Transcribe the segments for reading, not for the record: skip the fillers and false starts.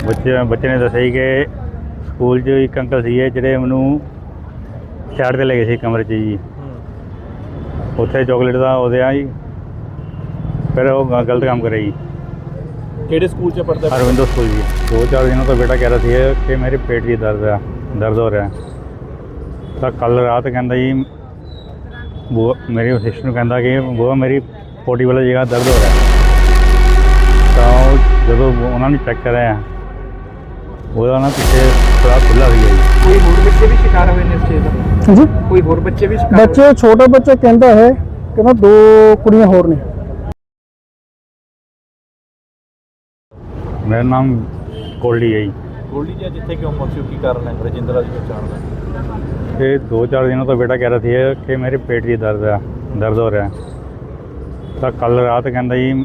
ਬੱਚੇ ਨੇ ਦੱਸਿਆ ਜੀ ਕਿ ਸਕੂਲ 'ਚ ਇੱਕ ਅੰਕਲ ਸੀਗੇ ਜਿਹੜੇ ਮੈਨੂੰ ਸਾਈਡ 'ਤੇ ਲੈ ਗਏ ਸੀ ਕਮਰੇ 'ਚ ਜੀ। ਉੱਥੇ ਚੋਕਲੇਟ ਦਾ ਉਹਦੇ ਆ ਜੀ, ਫਿਰ ਉਹ ਗਲਤ ਕੰਮ ਕਰਿਆ ਜੀ। ਕਿਹੜੇ ਸਕੂਲ 'ਚ ਪੜ੍ਹਦਾ? ਅਰਵਿੰਦੋ ਸਕੂਲ ਜੀ। 2-4 ਦਿनों ਤੋਂ ਬੇਟਾ ਕਹਿ ਰਿਹਾ ਸੀ ਕਿ ਮੇਰੇ ਪੇਟ 'ਚ ਦਰਦ ਹੋ ਰਿਹਾ। ਤਾਂ ਕੱਲ੍ਹ ਰਾਤ ਕਹਿੰਦਾ ਜੀ ਮੇਰੀ ਸਿਸਟਰ ਨੂੰ ਕਹਿੰਦਾ ਕਿ ਬੂਆ ਮੇਰੀ ਪੋਟੀ ਵਾਲੀ ਜਗ੍ਹਾ ਦਰਦ ਹੋ ਰਿਹਾ। ਤਾਂ ਉਹ ਜਦੋਂ ਉਹਨਾਂ ਨੇ ਚੈੱਕ ਕਰਿਆ ਉਹਦਾ ਨਾ ਪਿੱਛੇ ਥੋੜ੍ਹਾ ਖੁੱਲ੍ਹਾ ਸੀਗਾ ਜੀ। ਕੋਈ ਹੋਰ ਬੱਚੇ ਵੀ ਸ਼ਿਕਾਰ ਹੋਏ ਨੇ ਇਸ ਚੀਜ਼ ਦਾ? ਜੀ ਕੋਈ ਹੋਰ ਬੱਚੇ ਵੀ ਸ਼ਿਕਾਰ ਬੱਚੇ ਛੋਟਾ ਬੱਚਾ ਕਹਿੰਦਾ ਹੈ ਕਹਿੰਦਾ 2 ਕੁੜੀਆਂ ਹੋਰ ਨੇ। ਮੇਰਾ ਨਾਮ ਕੋਲੀ ਹੈ ਜੀ। ਗੋਲਡੀ ਜੀ ਜਿੱਥੇ ਕਿਉਂ ਪਹੁੰਚੇ ਹੋ, ਕੀ ਕਾਰਨ ਹੈ ਰਜਿੰਦਰਾ ਦੀ ਪਛਾਣ ਦਾ? ਇਹ 2-4 ਦਿनों ਤੋਂ ਬੇਟਾ ਕਹਿ ਰਿਹਾ ਸੀ ਕਿ ਮੇਰੇ ਪੇਟ 'ਚ ਦਰਦ ਹੋ ਰਿਹਾ। ਤਾਂ ਕੱਲ੍ਹ ਰਾਤ ਕਹਿੰਦਾ ਜੀ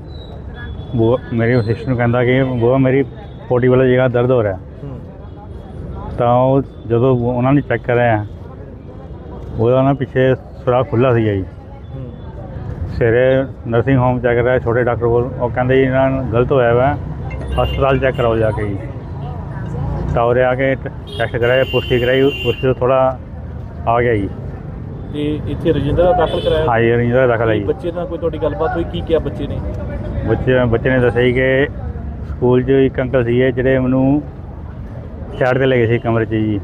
ਮੇਰੀ ਸਿਸਟਰ ਨੂੰ ਕਹਿੰਦਾ ਕਿ ਬੂਆ ਮੇਰੀ ਪੋਟੀ ਵਾਲੀ ਜਗ੍ਹਾ ਦਰਦ ਹੋ ਰਿਹਾ। ਤਾਂ ਉਹ ਜਦੋਂ ਉਹਨਾਂ ਨੇ ਚੈੱਕ ਕਰਿਆ ਉਹਦਾ ਨਾ ਪਿੱਛੇ ਥੋੜ੍ਹਾ ਖੁੱਲ੍ਹਾ ਸੀਗਾ ਜੀ। ਸਵੇਰੇ ਨਰਸਿੰਗ ਹੋਮ ਚੈੱਕ ਕਰਾਇਆ ਛੋਟੇ ਡਾਕਟਰ ਕੋਲ, ਉਹ ਕਹਿੰਦੇ ਜੀ ਇਹਨਾਂ ਨੂੰ ਗਲਤ ਹੋਇਆ ਵਾ, ਹਸਪਤਾਲ ਚੈੱਕ ਕਰਾਓ ਜਾ ਕੇ ਜੀ। ਤਾਂ ਉਰੇ ਆ ਕੇ ਟੈਸਟ ਕਰਾਇਆ, ਪੁਸ਼ਟੀ ਕਰਾਈ, ਪੁਸ਼ਟੀ ਤੋਂ ਥੋੜ੍ਹਾ ਆ ਗਿਆ ਜੀ। ਤੇ ਇੱਥੇ ਰਜਿੰਦਰਾ ਦਾਖਲ ਕਰਾਇਆ? ਹਾਂ ਜੀ, ਰਜਿੰਦਰਾ ਦਾਖਲ ਹੈ ਜੀ। ਬੱਚੇ ਨਾਲ ਕੋਈ ਤੁਹਾਡੀ ਗੱਲਬਾਤ ਹੋਈ, ਕੀ ਕਿਹਾ ਬੱਚੇ ਨੇ? ਬੱਚੇ ਨੇ ਦੱਸਿਆ ਜੀ ਕਿ ਸਕੂਲ 'ਚ ਇੱਕ ਅੰਕਲ ਸੀਗੇ ਜਿਹੜੇ ਮੈਨੂੰ ਸਾਈਡ 'ਤੇ ਲੈ ਗਏ ਸੀ ਕਮਰੇ 'ਚ ਜੀ।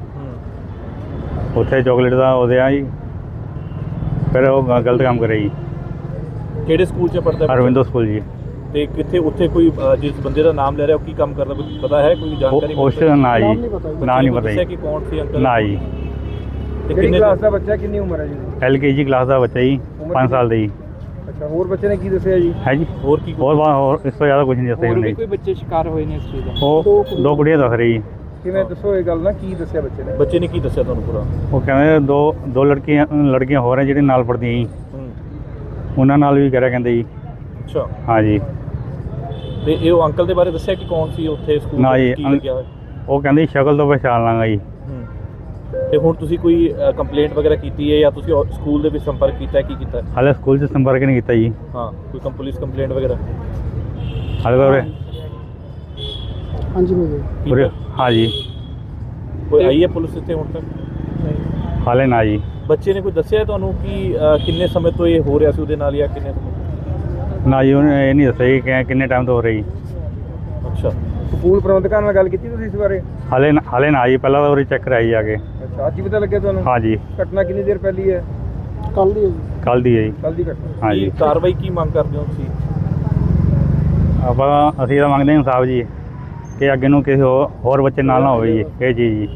ਉੱਥੇ ਚੋਕਲੇਟ ਦਾ ਉਹਦੇ ਆ ਜੀ, ਫਿਰ ਉਹ ਗਲਤ ਕੰਮ ਕਰਿਆ ਜੀ। ਕਿਹੜੇ ਸਕੂਲ 'ਚ ਪੜ੍ਹਦਾ? ਅਰਵਿੰਦੋ ਸਕੂਲ ਜੀ। ਤੇ ਕਿੱਥੇ ਉੱਥੇ ਕੋਈ ਜਿਸ ਬੰਦੇ ਦਾ ਨਾਮ ਲੈ ਰਿਹਾ ਉਹ ਕੀ ਕੰਮ ਕਰਦਾ, ਕੁਝ ਪਤਾ ਹੈ, ਕੋਈ ਜਾਣਕਾਰੀ? ਉਸ ਨਾ ਜੀ, ਨਾ ਨਹੀਂ ਪਤਾ ਦੱਸਿਆ ਜੀ। ਕਿ ਕੌਣ ਸੀ ਅੰਕਲ? ਨਾ ਜੀ। ਤੇ ਕਿੰਨੇ ਕਲਾਸ ਦਾ ਬੱਚਾ, ਕਿੰਨੀ ਉਮਰ ਹੈ ਜੀ? LKG ਕਲਾਸ ਦਾ ਬੱਚਾ ਜੀ, 5 ਸਾਲ ਦਾ ਜੀ। ਅੱਛਾ, ਹੋਰ ਬੱਚੇ ਨੇ ਕੀ ਦੱਸਿਆ ਜੀ? ਹੈ ਜੀ। ਹੋਰ ਕੀ ਹੋਰ ਇਸ ਤੋਂ ਜ਼ਿਆਦਾ ਕੁਝ ਨਹੀਂ ਦੱਸਿਆ ਉਹਨੇ। ਕੋਈ ਬੱਚੇ ਸ਼ਿਕਾਰ ਹੋਏ ਨੇ ਇਸ ਚੀਜ਼ ਦਾ? ਉਹ 2 ਕੁੜੀਆਂ ਦੱਸ ਰਹੀ ਜੀ। ਕਿਵੇਂ ਦੱਸੋ ਇਹ ਗੱਲ ਨਾ, ਕੀ ਦੱਸਿਆ ਬੱਚੇ ਨੇ? ਬੱਚੇ ਨੇ ਕੀ ਦੱਸਿਆ ਤੁਹਾਨੂੰ ਪੂਰਾ? ਉਹ ਕਹਿੰਦੇ ਦੋ ਲੜਕੀਆਂ ਹੋਰ ਹੈ ਜਿਹੜੀਆਂ ਨਾਲ ਪੜ੍ਹਦੀਆਂ ਜੀ, ਉਹਨਾਂ ਨਾਲ ਵੀ ਕਰਿਆ ਕਹਿੰਦੇ ਜੀ। ਅੱਛਾ। ਹਾਂ ਜੀ। ਤੇ ਇਹ ਉਹ ਅੰਕਲ ਦੇ ਬਾਰੇ ਦੱਸਿਆ ਕਿ ਕੌਣ ਸੀ ਉੱਥੇ ਸਕੂਲ ਨਾ ਜੀ, ਕੀ ਲੱਗਿਆ ਹੋਇਆ? ਉਹ ਕਹਿੰਦੀ ਸ਼ਕਲ ਤੋਂ ਪਛਾਣ ਲਾਂਗਾ ਜੀ। ਤੇ ਹੁਣ ਤੁਸੀਂ ਕੋਈ ਕੰਪਲੇਂਟ ਵਗੈਰਾ ਕੀਤੀ ਹੈ ਜਾਂ ਤੁਸੀਂ ਸਕੂਲ ਦੇ ਵਿੱਚ ਸੰਪਰਕ ਕੀਤਾ ਹੈ, ਕੀ ਕੀਤਾ ਹੈ? ਹਾਲੇ ਸਕੂਲ 'ਚ ਸੰਪਰਕ ਨਹੀਂ ਕੀਤਾ ਜੀ। ਹਾਂ, ਕੋਈ ਪੁਲਿਸ ਕੰਪਲੇਂਟ ਵਗੈਰਾ? ਹਾਲੇ ਉਰੇ ਹਾਂਜੀ ਮੇਰੇ ਉਰੇ ਹਾਂ ਜੀ, ਕੋਈ ਆਈ ਹੈ ਪੁਲਿਸ ਇੱਥੇ ਹੁਣ ਤੱਕ? ਹਾਲੇ ਨਾ ਜੀ। ਬੱਚੇ ਨੇ ਕੋਈ ਦੱਸਿਆ ਤੁਹਾਨੂੰ ਕਿ ਕਿੰਨੇ ਸਮੇਂ ਤੋਂ ਇਹ ਹੋ ਰਿਹਾ ਸੀ ਉਹਦੇ ਨਾਲ ਜਾਂ ਕਿੰਨੇ ਸਮੇਂ? ਨਾ ਜੀ, ਉਹਨੇ ਇਹ ਨਹੀਂ ਦੱਸਿਆ ਜੀ ਕਿ ਕਿੰਨੇ ਟਾਈਮ ਤੋਂ ਹੋ ਰਹੀ। ਅੱਛਾ। ਸਕੂਲ ਪ੍ਰਬੰਧਕਾਂ ਨਾਲ ਗੱਲ ਕੀਤੀ ਤੁਸੀਂ ਇਸ ਬਾਰੇ? ਹਾਲੇ ਨਾ ਜੀ, ਪਹਿਲਾਂ ਤਾਂ ਉਰੇ ਚੈੱਕ ਕਰਾਈ ਜਾ ਕੇ। ਅੱਛਾ, ਅੱਜ ਹੀ ਪਤਾ ਲੱਗਿਆ ਤੁਹਾਨੂੰ? ਹਾਂ ਜੀ, ਘਟਨਾ ਕਿੰਨੀ ਦੇਰ ਪਹਿਲੀ ਹੈ? ਕੱਲ ਦੀ ਹੈ ਜੀ। ਕੱਲ੍ਹ ਦੀ ਹੈ ਜੀ। ਕੱਲ ਦੀ ਘਟਨਾ। ਹਾਂ ਜੀ। ਕੀ ਕਾਰਵਾਈ ਕੀ ਮੰਗ ਕਰਦੇ ਹੋ ਤੁਸੀਂ? ਅਸੀਂ ਤਾਂ ਮੰਗਦੇ ਹਾਂ ਇਨਸਾਫ ਜੀ, ਕਿ ਅੱਗੇ ਨੂੰ ਕਿਸੇ ਹੋਰ ਬੱਚੇ ਨਾਲ ਨਾ ਹੋਵੇ ਜੀ ਇਹ ਚੀਜ਼ ਜੀ।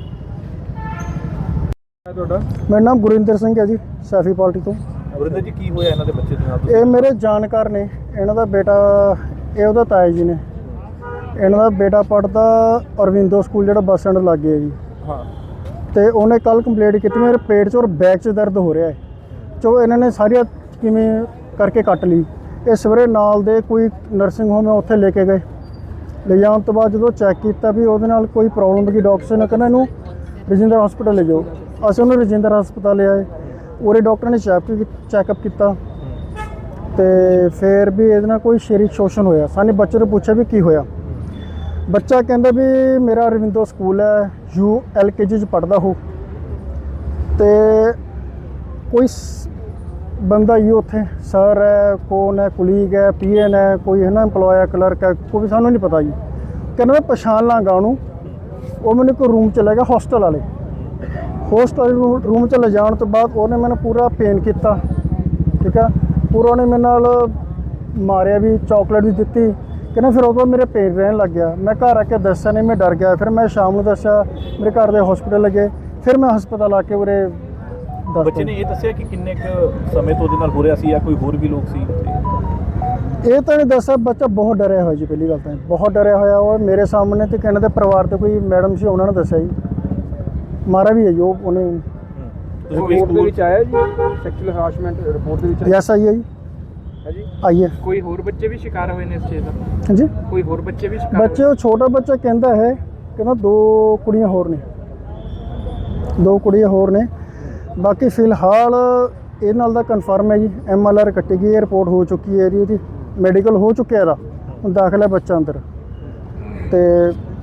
ਤੁਹਾਡਾ? ਮੇਰਾ ਨਾਮ ਗੁਰਿੰਦਰ ਸਿੰਘ ਹੈ ਜੀ, ਸੈਫੀ ਪਾਰਟੀ ਤੋਂ। ਵਰਿੰਦਰ ਜੀ, ਕੀ ਹੋਇਆ ਇਹਨਾਂ ਦੇ ਬੱਚੇ ਦੇ ਨਾਲ? ਇਹ ਮੇਰੇ ਜਾਣਕਾਰ ਨੇ, ਇਹਨਾਂ ਦਾ ਬੇਟਾ, ਇਹ ਉਹਦਾ ਤਾਇਆ ਜੀ ਨੇ। ਇਹਨਾਂ ਦਾ ਬੇਟਾ ਪੜ੍ਹਦਾ ਅਰਵਿੰਦੋ ਸਕੂਲ ਜਿਹੜਾ ਬੱਸ ਸਟੈਂਡ ਲਾਗੇ ਹੈ ਜੀ। ਹਾਂ। ਤੇ ਉਹਨੇ ਕੱਲ ਕੰਪਲੇਂਟ ਕੀਤੀ ਮੇਰੇ ਪੇਟ 'ਚ ਔਰ ਬੈਕ 'ਚ ਦਰਦ ਹੋ ਰਿਹਾ ਹੈ। ਚੋ ਇਹਨਾਂ ਨੇ ਸਾਰੀਆਂ ਕਿਵੇਂ ਕਰਕੇ ਕੱਟ ਲਈ। ਇਹ ਸਵੇਰੇ ਨਾਲ ਦੇ ਕੋਈ ਨਰਸਿੰਗ ਹੋਮ ਹੈ ਉੱਥੇ ਲੈ ਕੇ ਗਏ। ਲੈ ਜਾਣ ਤੋਂ ਬਾਅਦ ਜਦੋਂ ਚੈੱਕ ਕੀਤਾ ਵੀ ਉਹਦੇ ਨਾਲ ਕੋਈ ਪ੍ਰੋਬਲਮ ਦੀ, ਡਾਕਟਰ ਨੇ ਕਹਿੰਦਾ ਇਹਨੂੰ ਰਜਿੰਦਰ ਹਸਪਤਾਲ ਲੈ ਜਾਓ। ਅਸੀਂ ਉਹਨੂੰ ਰਜਿੰਦਰ ਹਸਪਤਾਲ ਲੈ ਆਏ। ਉਰੇ ਡਾਕਟਰ ਨੇ ਚੈੱਕਅਪ ਕੀਤਾ ਤੇ ਫਿਰ ਵੀ ਇਹਦੇ ਨਾਲ ਕੋਈ ਸਰੀਰਕ ਸ਼ੋਸ਼ਣ ਹੋਇਆ। ਸਾਨੂੰ ਬੱਚੇ ਨੂੰ ਪੁੱਛਿਆ ਵੀ ਕੀ ਹੋਇਆ। ਬੱਚਾ ਕਹਿੰਦਾ ਵੀ ਮੇਰਾ ਅਰਵਿੰਦੋ ਸਕੂਲ ਹੈ, LKG 'ਚ ਪੜ੍ਹਦਾ ਹੋ, ਤੇ ਕੋਈ ਬੰਦਾ ਹੀ ਉੱਥੇ ਸਰ ਹੈ, ਕੌਣ ਹੈ, ਕੁਲੀਗ ਹੈ, PN ਹੈ, ਕੋਈ ਹੈ ਨਾ ਇੰਪਲੋਇਆ, ਕਲਰਕ ਹੈ, ਕੋਈ ਵੀ ਸਾਨੂੰ ਨਹੀਂ ਪਤਾ ਜੀ। ਕਹਿੰਦਾ ਮੈਂ ਪਛਾਣ ਲਾਂਗਾ ਉਹਨੂੰ। ਉਹ ਮੈਨੂੰ ਇੱਕ ਰੂਮ 'ਚ ਲੈ ਗਿਆ, ਹੋਸਟਲ ਵਾਲੇ ਰੂਮ 'ਚ ਲੈ ਜਾਣ ਤੋਂ ਬਾਅਦ ਉਹਨੇ ਮੈਨੂੰ ਪੂਰਾ ਪੇਨ ਕੀਤਾ, ਠੀਕ ਹੈ, ਪੂਰਾ ਉਹਨੇ ਮੇਰੇ ਨਾਲ ਮਾਰਿਆ ਵੀ, ਚਾਕਲੇਟ ਵੀ ਦਿੱਤੀ। ਕਹਿੰਦਾ ਫਿਰ ਉਦੋਂ ਮੇਰੇ ਪੇਨ ਰਹਿਣ ਲੱਗ ਗਿਆ। ਮੈਂ ਘਰ ਆ ਕੇ ਦੱਸਿਆ ਨਹੀਂ, ਮੈਂ ਡਰ ਗਿਆ। ਫਿਰ ਮੈਂ ਸ਼ਾਮ ਨੂੰ ਦੱਸਿਆ, ਮੇਰੇ ਘਰ ਦੇ ਹਸਪੀਟਲ ਲੱਗੇ। ਫਿਰ ਮੈਂ ਹਸਪਤਾਲ ਆ ਕੇ ਉਰੇ ਬੱਚੇ ਨੇ ਇਹ ਦੱਸਿਆ ਕਿ ਕਿੰਨੇ ਕੁ ਸਮੇਂ ਤੋਂ ਉਹਦੇ ਨਾਲ ਹੋ ਰਿਹਾ ਸੀ ਜਾਂ ਕੋਈ ਹੋਰ ਵੀ ਲੋਕ ਸੀ ਉੱਥੇ? ਇਹ ਤਾਂ ਨਹੀਂ ਦੱਸਿਆ। ਬੱਚਾ ਬਹੁਤ ਡਰਿਆ ਹੋਇਆ ਜੀ, ਪਹਿਲੀ ਗੱਲ ਤਾਂ ਬਹੁਤ ਡਰਿਆ ਹੋਇਆ। ਉਹ ਮੇਰੇ ਸਾਹਮਣੇ ਤੇ ਕਹਿੰਦੇ ਪਰਿਵਾਰ ਦੇ ਕੋਈ ਮੈਡਮ ਸੀ, ਉਹਨਾਂ ਨੇ ਦੱਸਿਆ ਜੀ। ਮਾਰਾ ਵੀ ਹੈ ਜੀ ਉਹਨੇ। ਰਿਪੋਰਟ ਦੇ ਵਿੱਚ ਆਇਆ ਜੀ ਸੈਕਸ਼ੂਅਲ ਹਰਾਸਮੈਂਟ ਰਿਪੋਰਟ ਦੇ ਵਿੱਚ? ਯੈਸ ਆਈ ਹੈ ਜੀ। ਹੈ ਜੀ। ਆਈ ਹੈ। ਕੋਈ ਹੋਰ ਬੱਚੇ ਵੀ ਸ਼ਿਕਾਰ ਹੋਏ ਨੇ ਇਸ ਚੀਜ਼ ਦਾ? ਹਾਂਜੀ, ਕੋਈ ਹੋਰ ਬੱਚੇ ਵੀ ਸ਼ਿਕਾਰ? ਬੱਚੇ, ਉਹ ਛੋਟਾ ਬੱਚਾ ਕਹਿੰਦਾ ਹੈ, ਕਹਿੰਦਾ 2 ਕੁੜੀਆਂ ਹੋਰ ਨੇ, 2 ਕੁੜੀਆਂ ਹੋਰ ਨੇ। ਬਾਕੀ ਫਿਲਹਾਲ ਇਹ ਨਾਲ ਦਾ ਕਨਫਰਮ ਹੈ ਜੀ। MLR ਕੱਟੀ ਗਈ ਹੈ, ਰਿਪੋਰਟ ਹੋ ਚੁੱਕੀ ਹੈ ਇਹਦੀ ਮੈਡੀਕਲ ਹੋ ਚੁੱਕਿਆ ਇਹਦਾ। ਹੁਣ ਦਾਖਲ ਹੈ ਬੱਚਾ ਅੰਦਰ। ਤੇ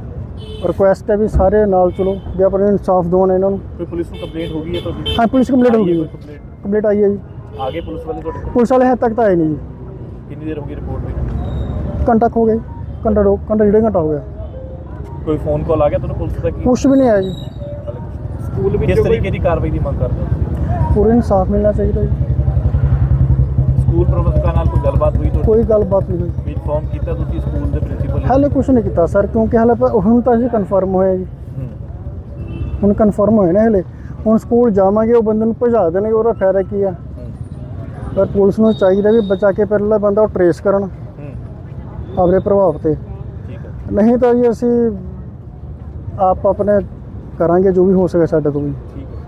ਰਿਕੁਐਸਟ ਹੈ ਵੀ ਸਾਰੇ ਨਾਲ ਚਲੋ ਵੀ ਆਪਣੇ ਇਨਸਾਫ ਦਿਵਾਉਣ ਇਹਨਾਂ ਨੂੰ। ਕੋਈ ਪੁਲਿਸ ਨੂੰ ਕੰਪਲੇਂਟ ਹੋ ਗਈ ਹੈ ਤੁਹਾਡੀ? ਹਾਂ ਪੁਲਿਸ ਕੰਪਲੀਟ ਹੋ ਗਈ ਜੀ, ਕੰਪਲੇਂਟ ਕੰਪਲੀਟ ਆਈ ਹੈ ਜੀ। ਆਗੇ ਪੁਲਿਸ ਵਾਲੇ ਤੁਹਾਡੇ ਪੁਲਿਸ ਵਾਲੇ ਹੱਦ ਤੱਕ ਤਾਂ ਆਏ ਨਹੀਂ ਜੀ, ਕਿੰਨੀ ਦੇਰ ਹੋ ਗਈ ਰਿਪੋਰਟ ਹੋਈ? ਘੰਟਾ ਕੁ ਹੋ ਗਿਆ ਜੀ, ਘੰਟਾ ਡੇਢ ਘੰਟਾ ਹੋ ਗਿਆ, ਕੋਈ ਫੋਨ ਕਾਲ ਆ ਗਿਆ ਤੁਹਾਨੂੰ ਪੁਲਿਸ ਦਾ ਕੀ? ਕੁਛ ਵੀ ਨਹੀਂ ਆਇਆ ਜੀ। ਸਕੂਲ ਵਿੱਚ ਕਿਸ ਤਰੀਕੇ ਦੀ ਕਾਰਵਾਈ ਦੀ ਮੰਗ ਕਰਦੇ ਹੋ ਤੁਸੀਂ? ਪੂਰੇ ਇਨਸਾਫ ਮਿਲਣਾ ਚਾਹੀਦਾ ਜੀ। ਸਕੂਲ ਪ੍ਰਬੰਧਕਾਂ ਨਾਲ ਕੋਈ ਗੱਲਬਾਤ ਹੋਈ ਤੁਹਾਡੀ? ਕੋਈ ਗੱਲਬਾਤ ਨਹੀਂ ਹੋਈ, ਵੀ ਇਨਫੋਰਮ ਕੀਤਾ ਤੁਸੀਂ ਸਕੂਲ ਦੇ ਪ੍ਰਿੰਸੀਪਲ? ਹਾਲੇ ਕੁਛ ਨਹੀਂ ਕੀਤਾ ਸਰ, ਕਿਉਂਕਿ ਹਾਲੇ ਹੁਣ ਤਾਂ ਅਸੀਂ ਕਨਫਰਮ ਹੋਇਆ ਜੀ, ਹੁਣ ਕਨਫਰਮ ਹੋਇਆ ਨਾ ਹਲੇ। ਹੁਣ ਸਕੂਲ ਜਾਵਾਂਗੇ, ਉਹ ਬੰਦੇ ਨੂੰ ਭਜਾ ਦੇਣਗੇ, ਉਹਦਾ ਫਾਇਦਾ ਕੀ ਆ? ਪਰ ਪੁਲਿਸ ਨੂੰ ਚਾਹੀਦਾ ਵੀ ਬਚਾ ਕੇ ਪਹਿਲਾਂ ਬੰਦਾ ਉਹ ਟਰੇਸ ਕਰਨ ਆਪਣੇ ਪ੍ਰਭਾਵ ਤੇ, ਠੀਕ ਹੈ। ਨਹੀਂ ਤਾਂ ਜੀ ਅਸੀਂ ਆਪ ਆਪਣੇ ਕਰਾਂਗੇ ਜੋ ਵੀ ਹੋ ਸਕੇ ਸਾਡੇ ਤੋਂ ਵੀ। ਠੀਕ ਹੈ।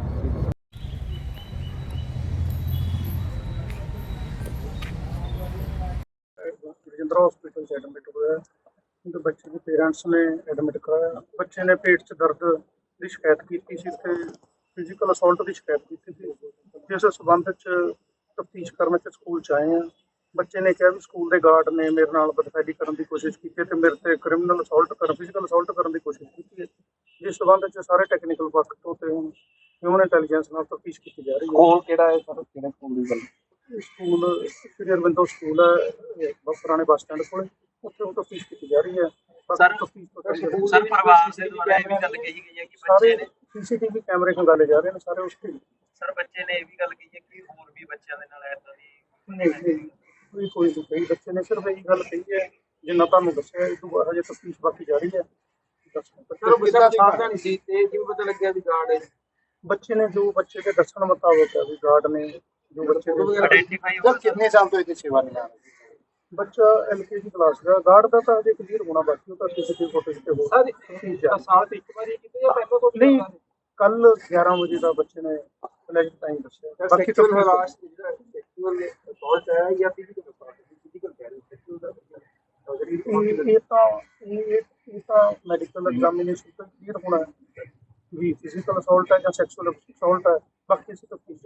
ਰਜਿੰਦਰਾ ਹਸਪੀਟਲ 'ਚ ਐਡਮਿਟ ਹੋਇਆ, ਉਹਦੇ ਬੱਚੇ ਦੇ ਪੇਰੈਂਟਸ ਨੇ ਐਡਮਿਟ ਕਰਾਇਆ। ਬੱਚੇ ਨੇ ਪੇਟ 'ਚ ਦਰਦ ਦੀ ਸ਼ਿਕਾਇਤ ਕੀਤੀ ਸੀ ਤੇ ਫਿਜ਼ੀਕਲ ਅਸੌਲਟ ਦੀ ਸ਼ਿਕਾਇਤ ਕੀਤੀ ਸੀ, ਜਿਸ ਸਬੰਧ 'ਚ ਤਫਤੀਸ਼ ਕਰਨ 'ਚ ਸਕੂਲ 'ਚ ਆਏ ਹਾਂ। ਬੱਚੇ ਨੇ ਕਿਹਾ ਵੀ ਸਕੂਲ ਦੇ ਗਾਰਡ ਨੇ ਮੇਰੇ ਨਾਲ ਬਦਫੈਲੀ ਕਰਨ ਦੀ ਕੋਸ਼ਿਸ਼ ਕੀਤੀ ਤੇ ਮੇਰੇ ਤੇ ਕ੍ਰਿਮੀਨਲ ਅਸੌਲਟ ਫਿਜ਼ੀਕਲ ਅਸੌਲਟ ਕਰਨ ਦੀ ਕੋਸ਼ਿਸ਼ ਕੀਤੀ ਹੈ, ਜਿਸ ਸਬੰਧ 'ਚ ਸਾਰੇ ਟੈਕਨੀਕਲ ਪੱਖ ਤੋਂ ਤੇ ਹੁਣ ਹਿਊਮਨ ਇੰਟੈਲੀਜੈਂਸ ਨਾਲ ਤਫਤੀਸ਼ ਕੀਤੀ ਜਾ ਰਹੀ ਹੈ। ਸਕੂਲ ਕਿਹੜਾ ਹੈ ਸਰ, ਕਿਹੜੇ ਸਕੂਲ ਦੀ ਗੱਲ? ਸਕੂਲ ਸ਼੍ਰੀ ਅਰਵਿੰਦੋ ਸਕੂਲ ਹੈ ਪੁਰਾਣੇ ਬੱਸ ਸਟੈਂਡ ਕੋਲ, ਉੱਥੇ ਤਫਤੀਸ਼ ਕੀਤੀ ਜਾ ਰਹੀ ਹੈ। ਸਰ ਪਰਿਵਾਰ ਦੇ ਦੁਆਰਾ ਇਹ ਵੀ ਗੱਲ ਕਹੀ ਗਈ ਹੈ ਕਿ ਸਾਰੇ ਬੱਚੇ ਨੇ ਸੀਸੀਟੀਵੀ ਕੈਮਰੇ ਖੰਗਾਲੇ ਜਾ ਰਹੇ ਨੇ ਸਾਰੇ ਉਸ ਤੇ। ਸਰ ਬੱਚੇ ਨੇ ਇਹ ਵੀ ਗੱਲ ਕਹੀ ਹੈ ਕਿ ਹੋਰ ਵੀ ਬੱਚਿਆਂ ਦੇ ਨਾਲ ਏਦਾਂ ਦੀ ਕੋਈ ਨਹੀਂ ਕਹੀ, ਬੱਚੇ ਨੇ ਸਿਰਫ ਇਹ ਗੱਲ ਕਹੀ ਹੈ ਜਿੰਨਾ ਤੁਹਾਨੂੰ ਦੱਸਿਆ। ਇਹ ਤੋਂ ਬਾਅਦ ਹਜੇ ਤਫਤੀਸ਼ ਬਾਕੀ ਜਾਰੀ ਹੈ। ਸਾਵਧਾਨੀ ਸੀ ਤੇ ਜਿਵੇਂ ਪਤਾ ਲੱਗਿਆ ਵੀ ਗਾਰਡ ਹੈ, ਬੱਚੇ ਨੇ ਜੋ ਬੱਚੇ ਦੇ ਦੱਸਣ ਮੁਤਾਬਕ ਹੈ ਵੀ ਗਾਰਡ ਨੇ ਜੋ ਬੱਚੇ ਦੇ ਆਇਡੈਂਟੀਫਾਈ ਸਰ ਕਿੰਨੇ ਸਾਲ ਤੋਂ ਇਹਦੀ ਸੇਵਾ ਨਿਭਾ ਰਹੇ? ਬੱਚਾ LKG ਕਲਾਸ ਦਾ, ਗਾਰਡ ਦਾ ਤਾਂ ਅਜੇ ਕਲੀਅਰ ਹੋਣਾ ਬਾਕੀ, ਉਹ ਤਾਂ ਸੀਸੀਟੀਵੀ ਫੁਟੇਜ ਤੇ ਹੋ ਸਾਲ ਤੇ ਇੱਕ ਵਾਰੀ ਕਿਤੇ ਜਾਂ ਪਹਿਲਾਂ ਤੋਂ ਨਹੀਂ। ਕੱਲ 11 ਵਜੇ ਦਾ ਬੱਚੇ ਨੇ ਫਲੈਸ਼ ਟਾਈਮ ਦੱਸਿਆ। ਬਾਕੀ ਤਾਂ ਸੈਕਸ਼ੂਅਲ ਹਰਾਸ ਜਿਹੜਾ ਸੈਕਸ਼ੂਅਲ ਅਸੌਲਟ ਹੈ ਜਾਂ ਫਿਜ਼ੀਕਲ ਕਹਿ ਰਹੇ ਸੈਕਸ਼ੂਅਲ ਦਾ ਇਹ ਤਾਂ ਮੈਡੀਕਲ ਐਗਜ਼ਾਮੀਨੇਸ਼ਨ ਤੋਂ ਕਲੀਅਰ ਹੋਣਾ ਹੈ ਵੀ ਫਿਜ਼ੀਕਲ ਅਸੌਲਟ ਹੈ ਜਾਂ ਸੈਕਸ਼ੂਅਲ ਅਸੌਲਟ ਹੈ। ਬਾਕੀ ਅਸੀਂ ਤਫਤੀਸ਼